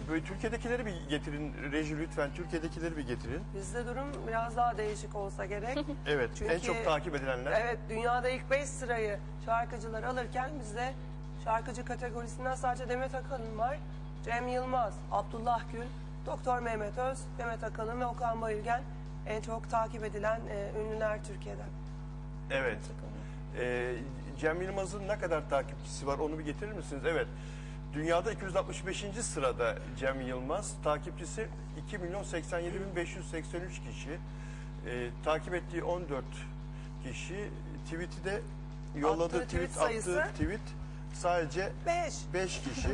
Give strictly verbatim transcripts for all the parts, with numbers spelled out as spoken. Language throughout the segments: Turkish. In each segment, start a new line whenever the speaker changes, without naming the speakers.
böyle Türkiye'dekileri bir getirin reji lütfen. Türkiye'dekileri bir getirin.
Bizde durum biraz daha değişik olsa gerek.
Evet.
Çünkü,
en çok takip edilenler.
Evet. Dünyada ilk beş sırayı şarkıcılar alırken bizde şarkıcı kategorisinden sadece Demet Akalın var. Cem Yılmaz, Abdullah Gül, Doktor Mehmet Öz, Demet Akalın ve Okan Bayülgen en çok takip edilen e, ünlüler Türkiye'den.
Evet. Ee, Cem Yılmaz'ın ne kadar takipçisi var onu bir getirir misiniz? Evet. Dünyada iki yüz altmış beşinci sırada Cem Yılmaz. Takipçisi iki milyon seksen yedi bin beş yüz seksen üç kişi. Ee, takip ettiği on dört kişi. Tweet'i de yolladığı
Attığı tweet
tweet,
sayısı?
attığı tweet sadece
beş.
beş kişi.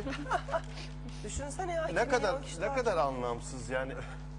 Düşünsene ya.
ne kadar ne
kişi
kadar anlamsız yani.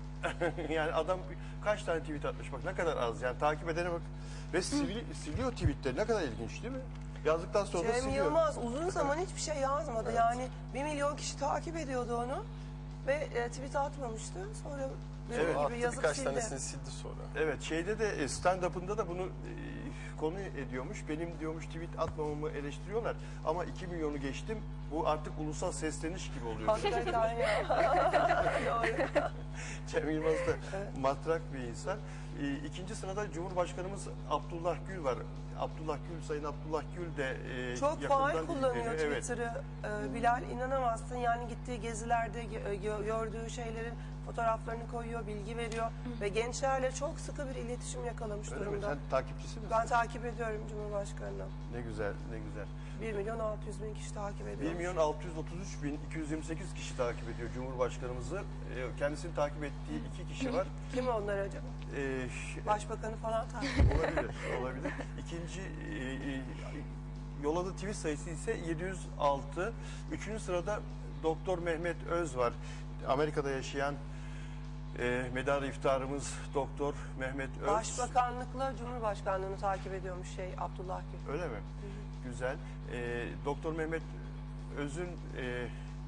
Yani adam kaç tane tweet atmış bak ne kadar az yani takip edene bak ve sili, siliyor tweetleri ne kadar ilginç değil mi? Yazdıktan sonra da
Cem
siliyor.
Yılmaz uzun zaman hiçbir şey yazmadı.
Evet.
Yani bir milyon kişi takip ediyordu onu ve e, tweet atmamıştı. Sonra benim
Evet.
gibi
Attı
yazıp
birkaç
sildi.
tanesini sildi sonra.
Evet şeyde de stand-up'ında da bunu e, konu ediyormuş. Benim diyormuş tweet atmamamı eleştiriyorlar ama iki milyonu geçtim. Bu artık ulusal sesleniş gibi oluyor.
Hakikaten ya. Doğru.
Cem Yılmaz da matrak bir insan. E, ikinci sırada Cumhurbaşkanımız Abdullah Gül var. Abdullah Gül, Sayın Abdullah Gül de e,
Çok
yakından
faal kullanıyor
ilgileniyor. Evet.
Twitter'ı. Ee, Bilal inanamazsın yani gittiği gezilerde gö- gö- gördüğü şeylerin fotoğraflarını koyuyor, bilgi veriyor ve gençlerle çok sıkı bir iletişim yakalamış
Öyle mi?
durumda.
Sen takipçisi misin?
Ben takip ediyorum Cumhurbaşkanı'nı.
Ne güzel, ne güzel.
bir milyon altı yüz bin kişi takip ediyor.
bir milyon altı yüz otuz üç bin iki yüz yirmi sekiz kişi takip ediyor Cumhurbaşkanımızı. Ee, Kendisini takip ettiği iki kişi var.
Kim onlar acaba?
Ee,
Başbakanı falan takip ediyor.
olabilir, olabilir. İkinci e, e, yolladığı tweet sayısı ise yedi yüz altı. Üçüncü sırada Doktor Mehmet Öz var. Amerika'da yaşayan e, medarı iftarımız Doktor Mehmet Öz.
Başbakanlıkla Cumhurbaşkanlığını takip ediyormuş şey Abdullah Gül.
Öyle mi? Güzel. Ee, Doktor Mehmet Öz'ün e,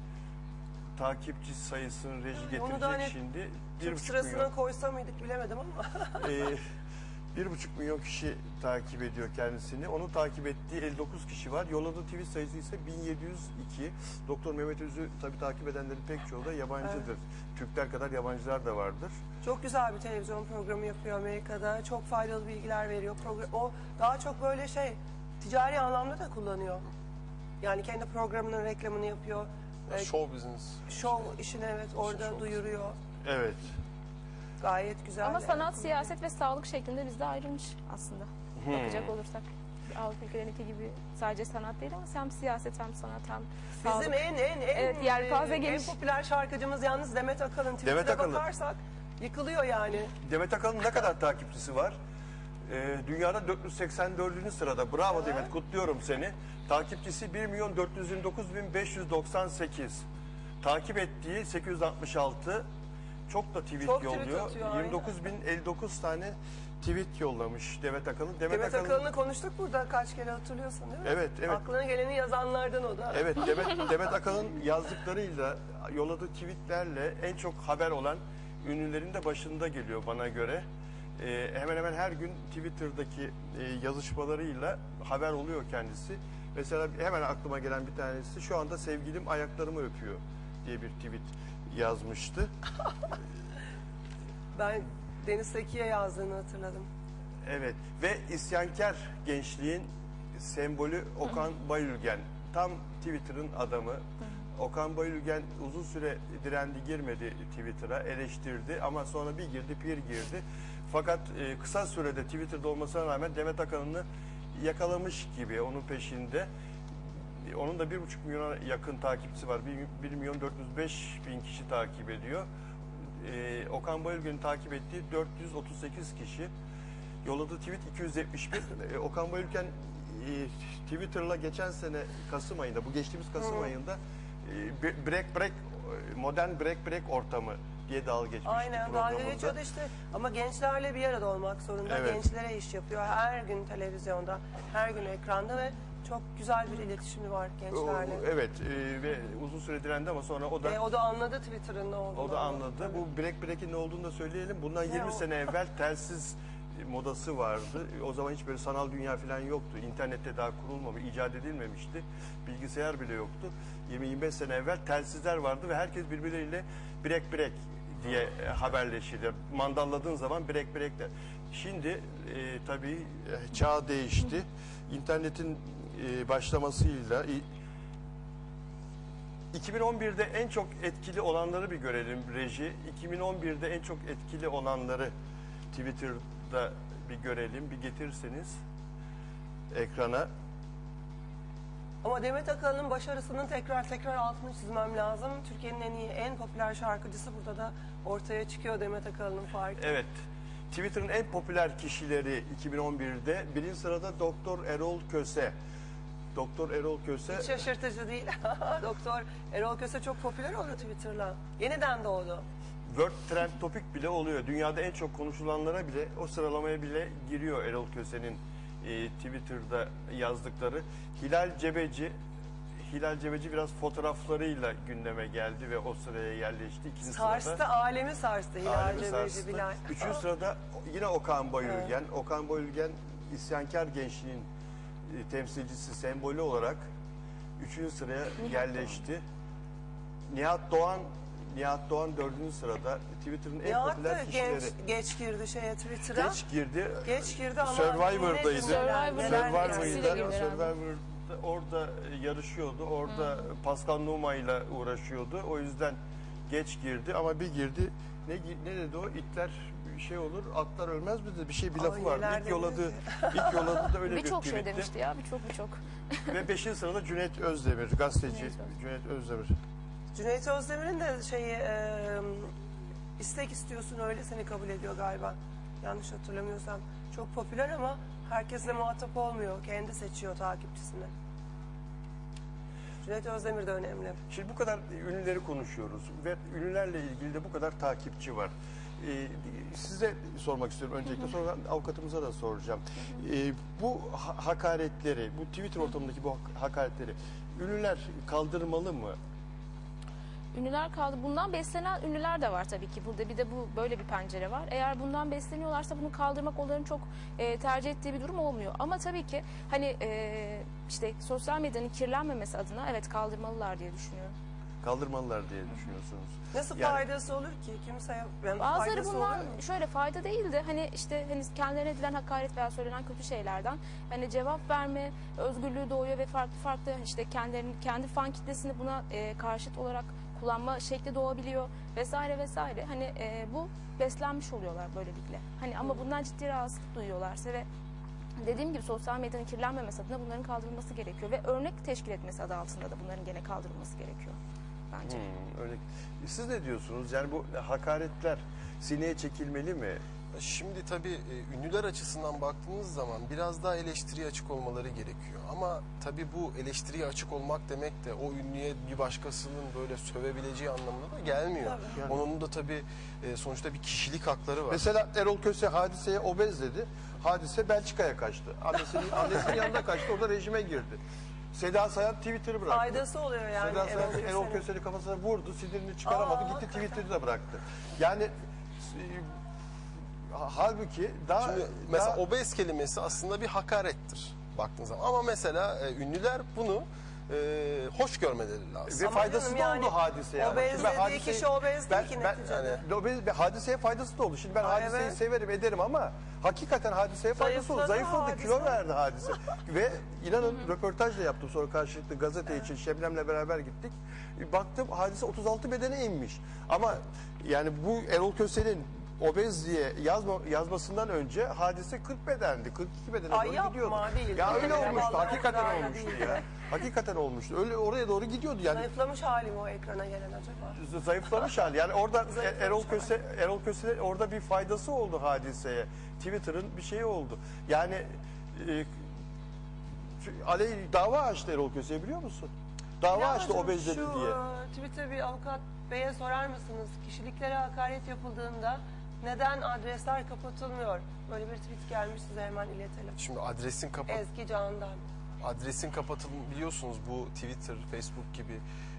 takipçi sayısını reji getirecek
Onu da hani
şimdi. Bir
Türk
buçuk
sırasına
milyon.
koysa mıydık bilemedim ama.
Ee, bir buçuk milyon kişi takip ediyor kendisini. Onu takip ettiği elli dokuz kişi var. Yolladığı tweet sayısı ise bin yedi yüz iki. Doktor Mehmet Öz'ü tabii takip edenlerin pek çoğu da yabancıdır.
Evet.
Türkler kadar yabancılar da vardır.
Çok güzel bir televizyon programı yapıyor Amerika'da. Çok faydalı bilgiler veriyor. Program, o daha çok böyle şey ticari anlamda da kullanıyor. Yani kendi programının reklamını yapıyor. Ee,
Show business.
Show işini evet orada
show.
duyuruyor.
Evet.
Gayet güzel.
Ama
yani.
sanat, siyaset ve sağlık şeklinde bizde ayrılmış aslında.
Hmm.
Bakacak olursak. Avrupa ülkelerindeki gibi sadece sanat değil ama hem siyaset hem sanat hem sağlık.
Bizim en en en,
Evet, yelpaze
en
geniş.
popüler şarkıcımız yalnız Demet Akalın.
Demet
Twitter'a
Akalın.
bakarsak yıkılıyor yani.
Demet Akalın ne kadar takipçisi var? Ee, dünyada dört yüz seksen dördüncü sırada. Bravo
Evet.
Demet, kutluyorum seni. Takipçisi bir milyon dört yüz yirmi dokuz bin beş yüz doksan sekiz. Takip ettiği sekiz yüz altmış altı. Çok da tweet
Çok tweet
yolluyor.
atıyor,
yirmi dokuz bin elli dokuz tane tweet yollamış Demet Akalın. Demet,
Demet
Akalın,
Akalın'ı konuştuk burada kaç kere hatırlıyorsun değil mi?
Evet, evet.
Aklına geleni yazanlardan o da.
Evet, Demet, Demet Akalın yazdıklarıyla, yolladığı tweetlerle en çok haber olan ünlülerin de başında geliyor bana göre. Ee, hemen hemen her gün Twitter'daki e, yazışmalarıyla haber oluyor kendisi. Mesela hemen aklıma gelen bir tanesi, şu anda sevgilim ayaklarımı öpüyor diye bir tweet yazmıştı.
Ben Deniz Seki'ye yazdığını hatırladım.
Evet ve isyankar gençliğin sembolü Okan Bayülgen. Tam Twitter'ın adamı. Okan Bayülgen uzun süre direndi, girmedi Twitter'a, eleştirdi ama sonra bir girdi, bir girdi. Fakat e, kısa sürede Twitter'da olmasına rağmen Demet Akalın'ı yakalamış gibi onun peşinde. E, Onun da bir buçuk milyona yakın takipçisi var. Bir, bir milyon dört yüz beş bin kişi takip ediyor. E, Okan Bayülgen'i takip ettiği dört yüz otuz sekiz kişi. Yolladığı tweet iki yüz yetmiş bin. E, Okan Bayülgen e, Twitter'la geçen sene Kasım ayında, bu geçtiğimiz Kasım
Hı.
ayında e, break break, modern break break ortamı diye dalga geçmişti
Aynen dalga
programında.
geçiyordu işte ama gençlerle bir arada olmak zorunda.
Evet.
Gençlere iş yapıyor her gün televizyonda, her gün ekranda ve çok güzel bir iletişimi var
O-
gençlerle.
Evet e, ve uzun süre direndi ama sonra o da
E, o da anladı Twitter'ın ne olduğunu.
o da anladı. Bu break break'in ne olduğunu da söyleyelim. Bundan
Ne
yirmi
o?
sene evvel telsiz modası vardı. O zaman hiç böyle sanal dünya falan yoktu. İnternette daha kurulmamış, icat edilmemişti. Bilgisayar bile yoktu. yirmi yirmi beş sene evvel telsizler vardı ve herkes birbirleriyle birek birek diye e, haberleşirdi. Mandalladığın zaman birek birek de. Şimdi e, tabii e, çağ değişti. İnternetin e, başlamasıyla i- iki bin on birde en çok etkili olanları bir görelim reji. iki bin on birde en çok etkili olanları Twitter'da bir görelim, bir getirseniz ekrana.
Ama Demet Akalın'ın başarısının tekrar tekrar altını çizmem lazım. Türkiye'nin en iyi, en popüler şarkıcısı burada da ortaya çıkıyor Demet Akalın'ın farkı.
Evet, Twitter'ın en popüler kişileri iki bin on birde birinci sırada Doktor Erol Köse. Doktor Erol Köse.
Hiç şaşırtıcı değil. Doktor Erol Köse çok popüler oldu Twitter'la. Yeniden doğdu.
World Trend Topic bile oluyor. Dünyada en çok konuşulanlara bile, o sıralamaya bile giriyor Erol Köse'nin e, Twitter'da yazdıkları. Hilal Cebeci, Hilal Cebeci biraz fotoğraflarıyla gündeme geldi ve o sıraya yerleşti. İkinci
Sarstı,
sırada,
alemi sarstı Hilal
alemi
Cebeci
sarstı.
Bilal.
Üçüncü sırada yine Okan Bayülgen. Okan Bayülgen isyankar gençliğin e, temsilcisi, sembolü olarak üçüncü sıraya yerleşti. Nihat Doğan Nihat Doğan dördüncü sırada. Twitter'ın en
Nihat da
popüler kişileri.
genç, geç girdi şeye Twitter'a.
Geç girdi.
Geç girdi ama
Survivor'daydı.
yine neler, neler
Survivor'da
neler.
etkisiyle
Survivor'da,
girdi herhalde.
Survivor'da orada yarışıyordu. Orada Pascal Numa ile uğraşıyordu. O yüzden geç girdi ama bir girdi. Ne ne dedi o? İtler şey olur, atlar ölmez mi dedi. Bir şey bir
Ay,
lafı vardı.
neler
İlk yoladı,
demiyor
ilk yoladı da öyle bir
Birçok şey
tweetti.
demişti ya, birçok birçok.
Ve beşinci sırada Cüneyt Özdemir, gazeteci
Cüneyt Özdemir.
Cüneyt Özdemir.
Cüneyt Özdemir'in de şeyi e, istek istiyorsun öyle seni kabul ediyor galiba. Yanlış hatırlamıyorsam. Çok popüler ama herkesle muhatap olmuyor. Kendi seçiyor takipçisini. Cüneyt Özdemir de önemli.
Şimdi bu kadar ünlüleri konuşuyoruz ve ünlülerle ilgili de bu kadar takipçi var. Ee, size sormak istiyorum öncelikle, sonra avukatımıza da soracağım. Ee, bu ha- hakaretleri, bu Twitter ortamındaki bu hak- hakaretleri ünlüler kaldırmalı mı?
Ünlüler kaldı. Bundan beslenen ünlüler de var tabii ki. Burada bir de bu böyle bir pencere var. Eğer bundan besleniyorlarsa bunu kaldırmak onların çok e, tercih ettiği bir durum olmuyor. Ama tabii ki hani e, işte sosyal medyanın kirlenmemesi adına evet kaldırmalılar diye düşünüyorum.
Kaldırmalılar diye düşünüyorsunuz.
Nasıl
Yani-
faydası olur ki? Kimseye yani
Bazıları
faydası
bundan
olur mu?
şöyle fayda değil de hani işte hani kendilerine edilen hakaret veya söylenen kötü şeylerden hani cevap verme özgürlüğü doğuyor ve farklı farklı işte kendilerinin kendi fan kitlesini buna e, karşıt olarak kullanma şekli doğabiliyor vesaire vesaire. Hani e, bu beslenmiş oluyorlar böylelikle. Hani ama bundan ciddi rahatsızlık duyuyorlarsa ve dediğim gibi sosyal medyanın kirlenmemesi adına bunların kaldırılması gerekiyor ve örnek teşkil etmesi adı altında da bunların gene kaldırılması gerekiyor bence.
Hmm, öyle. Siz ne diyorsunuz? Yani bu hakaretler sineye çekilmeli mi?
Şimdi tabii e, ünlüler açısından baktığınız zaman biraz daha eleştiriye açık olmaları gerekiyor. Ama tabii bu eleştiriye açık olmak demek de o ünlüye bir başkasının böyle sövebileceği anlamına da gelmiyor.
Tabii.
Yani.
Onun da tabii e, sonuçta bir kişilik hakları var.
Mesela Erol Köse Hadise'ye obez dedi. Hadise Belçika'ya kaçtı. Annesinin, annesinin yanına kaçtı. Orada rejime girdi. Seda Sayan Twitter'ı bıraktı.
Faydası oluyor yani.
Seda Sayan
Erol
Erol
Köse'nin.
Köse'nin kafasına vurdu. Sinirini çıkaramadı.
Aa,
gitti
hakikaten.
Twitter'ı da bıraktı. Yani e, halbuki daha...
Şimdi mesela
daha-
obez kelimesi aslında bir hakarettir baktığınız zaman. Ama mesela e, ünlüler bunu e, hoş görmeleri lazım.
Ve
Ama
faydası
canım
da
yani
oldu hadiseye.
obez
Şimdi ben
dediği
hadiseyi-
kişi obez değil ki
ben,
neticede.
yani, obez, hadiseye faydası da oldu. Şimdi ben
Ay,
hadiseyi
evet.
severim ederim ama hakikaten hadiseye faydası oldu.
Zayıfladı
Zayıfladı,
hadise.
kilo verdi hadise. Ve inanın röportaj da yaptım sonra karşılıklı gazete için. Şebnem'le beraber gittik. Baktım hadise otuz altı bedene inmiş. Ama yani bu Erol Köse'nin obez diye yazma, yazmasından önce hadise kırk bedendi. kırk iki bedene
Ay
doğru
yapma,
gidiyordu.
değil.
Ya öyle
Vallahi
olmuştu.
o
Hakikaten
kadar da
olmuştu
değil.
ya. Hakikaten olmuştu. Öyle oraya doğru gidiyordu yani.
Zayıflamış halim o ekrana gelen acaba?
Zayıflamış hali. Yani orada
Zayıflamış
Erol
hali.
Köse Erol Köse orada bir faydası oldu hadiseye. Twitter'ın bir şeyi oldu. Yani e, aley dava açtı Erol Köse'ye, biliyor musun? Dava
Ya
açtı
hocam,
obez dedi
şu,
diye.
e, Twitter bir avukat beye sorar mısınız? Kişiliklere hakaret yapıldığında neden adresler kapatılmıyor? Böyle bir tweet gelmiş, size hemen iletelim.
Şimdi adresin kapat
Ezgi Can'dan.
adresin kapatılması biliyorsunuz bu Twitter, Facebook gibi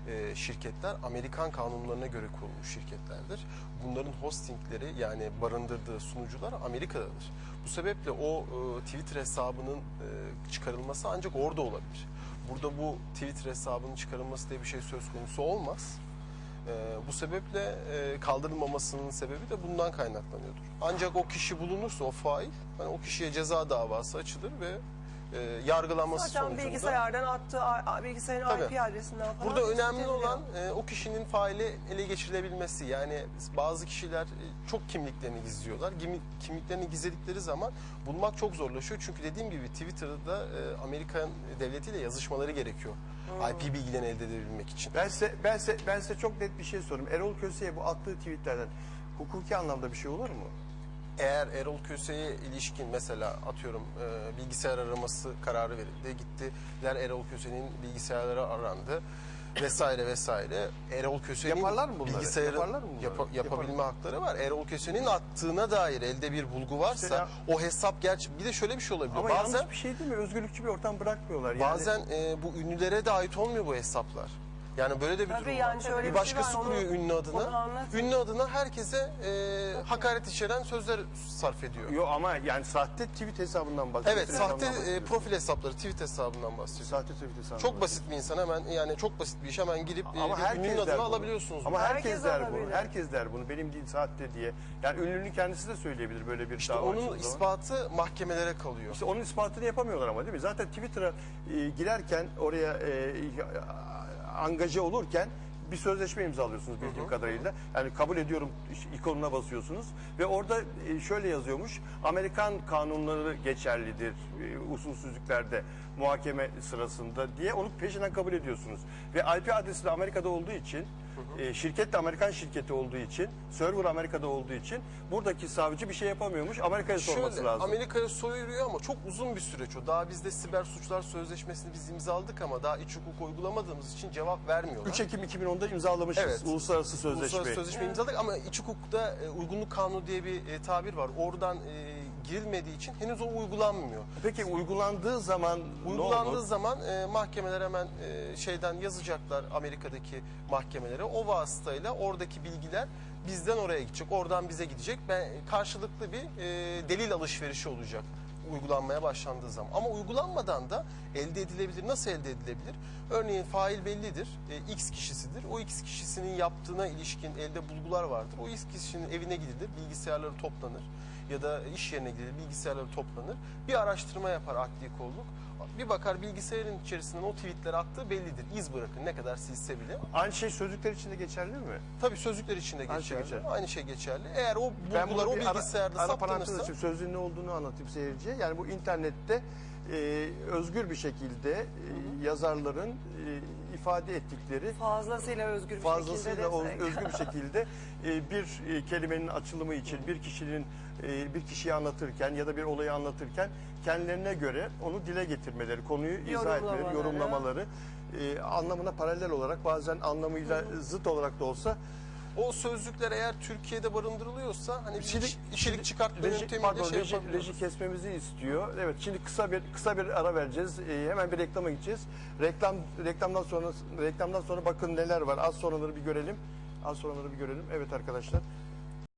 e, şirketler Amerikan kanunlarına göre kurulmuş şirketlerdir. Bunların hostingleri yani barındırdığı sunucular Amerika'dadır. Bu sebeple o e, Twitter hesabının e, çıkarılması ancak orada olabilir. Burada bu Twitter hesabının çıkarılması diye bir şey söz konusu olmaz. E, bu sebeple e, kaldırılmamasının sebebi de bundan kaynaklanıyordur. Ancak o kişi bulunursa o fail, hani o kişiye ceza davası açılır ve e, yargılanması
Zaten
sonucunda.
bilgisayardan attığı a- bilgisayarın
Tabii.
I P adresinden falan.
Burada önemli
tespit ediliyor.
olan e, o kişinin faili ele geçirilebilmesi. Yani bazı kişiler e, çok kimliklerini gizliyorlar. Gimi- kimliklerini gizledikleri zaman bulmak çok zorlaşıyor. Çünkü dediğim gibi Twitter'da e, Amerikan devletiyle yazışmaları gerekiyor. I P bilgilerini elde edebilmek için.
Ben size, ben, size, ben size çok net bir şey sorayım. Erol Köse'ye bu attığı tweetlerden hukuki anlamda bir şey olur mu?
Eğer Erol Köse'ye ilişkin mesela atıyorum e, bilgisayar araması kararı verildi. Gittiler Erol Köse'nin bilgisayarları arandı vesaire vesaire. Erol Köse'nin
Yaparlar mı bunları?
bilgisayarı
Yaparlar mı bunları?
yapa- yapabilme
Yaparlar.
hakları var. Erol Köse'nin attığına dair elde bir bulgu varsa
İşte ya-
o hesap gerçi bir de şöyle bir şey olabiliyor.
Ama
bazen
yanlış bir şey değil mi? Özgürlükçü bir ortam bırakmıyorlar. Yani
bazen e, bu ünlülere de ait olmuyor bu hesaplar. Yani böyle de bir
Tabii
durum
yani
var.
şöyle
bir
bir şey
başkası
var, onu-
kuruyor ünlü
onu
adına.
anlatın.
Ünlü adına herkese e, hakaret içeren sözler sarf ediyor.
Yo, ama yani sahte tweet hesabından bahsediyor.
Evet, sahte e, profil hesapları, tweet hesabından bahsediyor.
Sahte tweet hesabından
Çok basit bir insan hemen yani çok basit bir iş hemen girip e,
Ama
bir
herkes
ünlünün
der
adını
bunu.
alabiliyorsunuz.
Ama herkes,
Herkes
der
alabilir.
bunu. Herkes der bunu. Benim değil sahte diye. Yani ünlünün kendisi de söyleyebilir böyle bir
işte
dava
onun
açıldığı zaman.
ispatı mahkemelere kalıyor.
İşte onun ispatını yapamıyorlar ama değil mi? Zaten Twitter'a e, girerken oraya e, angaje olurken bir sözleşme imzalıyorsunuz bildiğim kadarıyla. Yani kabul ediyorum ikonuna basıyorsunuz ve orada e, şöyle yazıyormuş. Amerikan kanunları geçerlidir e, usulsüzlüklerde muhakeme sırasında diye onu peşinden kabul ediyorsunuz. Ve I P adresi de Amerika'da olduğu için e, şirket de Amerikan şirketi olduğu için, server Amerika'da olduğu için buradaki savcı bir şey yapamıyormuş. Amerika'ya sorması
Şöyle,
lazım.
Amerika'ya soyuluyor ama çok uzun bir süreç o. Daha bizde siber suçlar sözleşmesini biz imzaladık ama daha iç hukuk uygulamadığımız için cevap vermiyorlar.
üç Ekim iki bin onda imzalamışız
Evet.
uluslararası sözleşme.
Uluslararası sözleşme imzaladık ama iç hukukta e, uygunluk kanunu diye bir e, tabir var. Oradan e, girilmediği için henüz o uygulanmıyor.
Peki uygulandığı zaman ne
Uygulandığı
olur?
zaman e, mahkemeler hemen e, şeyden yazacaklar Amerika'daki mahkemelere. O vasıtayla oradaki bilgiler bizden oraya gidecek, oradan bize gidecek. Ben karşılıklı bir e, delil alışverişi olacak uygulanmaya başlandığı zaman. Ama uygulanmadan da elde edilebilir. Nasıl elde edilebilir? Örneğin fail bellidir. E, X kişisidir. O X kişisinin yaptığına ilişkin elde bulgular vardır. O X kişinin evine gidilir, bilgisayarları toplanır ya da iş yerine gidilir, bilgisayarları toplanır. Bir araştırma yapar adli kolluk. Bir bakar bilgisayarın içerisinden o tweetleri attığı bellidir. İz bırakın ne kadar silse bile.
Aynı şey sözlükler için de geçerli mi?
Tabii sözlükler için de
Aynı şey
geçerli.
geçerli.
Aynı şey geçerli. Eğer o
Ben
bulgular
bunu
o
bir ara-
bilgisayarda
ara parantez
saptanırsa
açayım. Sözlüğün ne olduğunu anlatayım seyirciye. Yani bu internette e, özgür bir şekilde e, yazarların e, ifade ettikleri
Fazlasıyla özgür bir
fazlasıyla
şekilde
o-
desek.
özgür bir şekilde e, bir e, kelimenin açılımı için bir kişinin e, bir kişiyi anlatırken ya da bir olayı anlatırken kendilerine göre onu dile getirmeleri, konuyu izah etmeleri,
Yorumlamaları.
yorumlamaları e, anlamına paralel olarak bazen anlamıyla zıt olarak da olsa
o sözlükler eğer Türkiye'de barındırılıyorsa hani bir
Şimdi-
iç- içerik çıkartma
Reji,
yöntemiyle
pardon,
şey
reji,
yapabiliyoruz.
reji kesmemizi istiyor. Evet, şimdi kısa bir kısa bir ara vereceğiz. Ee, hemen bir reklama gideceğiz. Reklam reklamdan sonra reklamdan sonra bakın neler var. Az sonraları bir görelim. Az sonraları bir görelim. Evet arkadaşlar.